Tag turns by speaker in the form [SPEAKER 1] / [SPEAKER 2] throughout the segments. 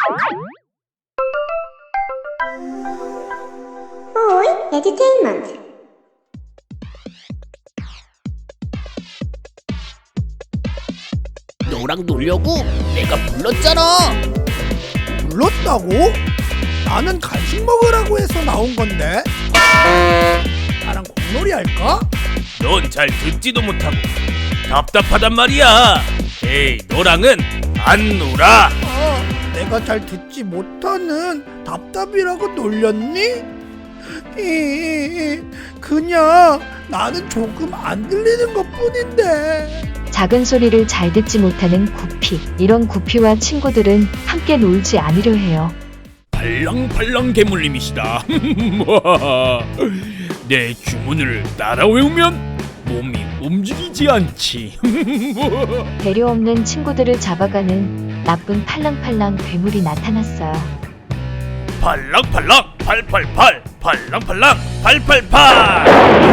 [SPEAKER 1] 오이 에듀테인먼트.
[SPEAKER 2] 너랑 놀려고 내가 불렀잖아.
[SPEAKER 3] 불렀다고? 나는 간식 먹으라고 해서 나온 건데. 나랑 공놀이 할까?
[SPEAKER 4] 넌 잘 듣지도 못하고 답답하단 말이야. 에이, 너랑은 안 놀아.
[SPEAKER 3] 내가 잘 듣지 못하는 답답이라고 놀렸니? 그냥 나는 조금 안 들리는 것뿐인데.
[SPEAKER 5] 작은 소리를 잘 듣지 못하는 구피. 이런 구피와 친구들은 함께 놀지 않으려 해요.
[SPEAKER 4] 팔랑팔랑 괴물님이시다. 내 주문을 따라 외우면 몸이 움직이지 않지.
[SPEAKER 5] 배려 없는 친구들을 잡아가는 나쁜 팔랑팔랑 괴물이 나타났어요.
[SPEAKER 4] 팔랑팔랑 888 팔랑팔랑 888.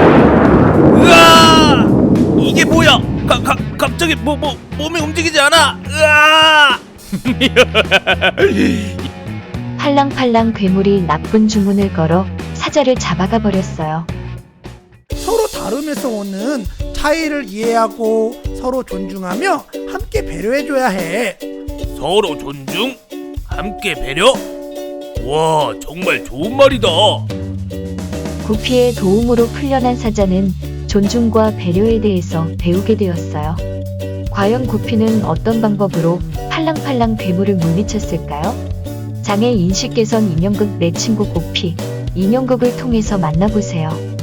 [SPEAKER 4] 으아! 이게 뭐야? 갑자기 몸이 움직이지 않아. 으아!
[SPEAKER 5] 팔랑팔랑 괴물이 나쁜 주문을 걸어 사자를 잡아가 버렸어요.
[SPEAKER 3] 서로 다름에서 오는 차이를 이해하고 서로 존중하며 함께 배려해줘야 해.
[SPEAKER 4] 서로 존중, 함께 배려. 와, 정말 좋은 말이다.
[SPEAKER 5] 구피의 도움으로 풀려난 사자는 존중과 배려에 대해서 배우게 되었어요. 과연 구피는 어떤 방법으로 팔랑팔랑 괴물을 물리쳤을까요? 장애 인식 개선 인형극 내 친구 구피. 인형극을 통해서 만나보세요.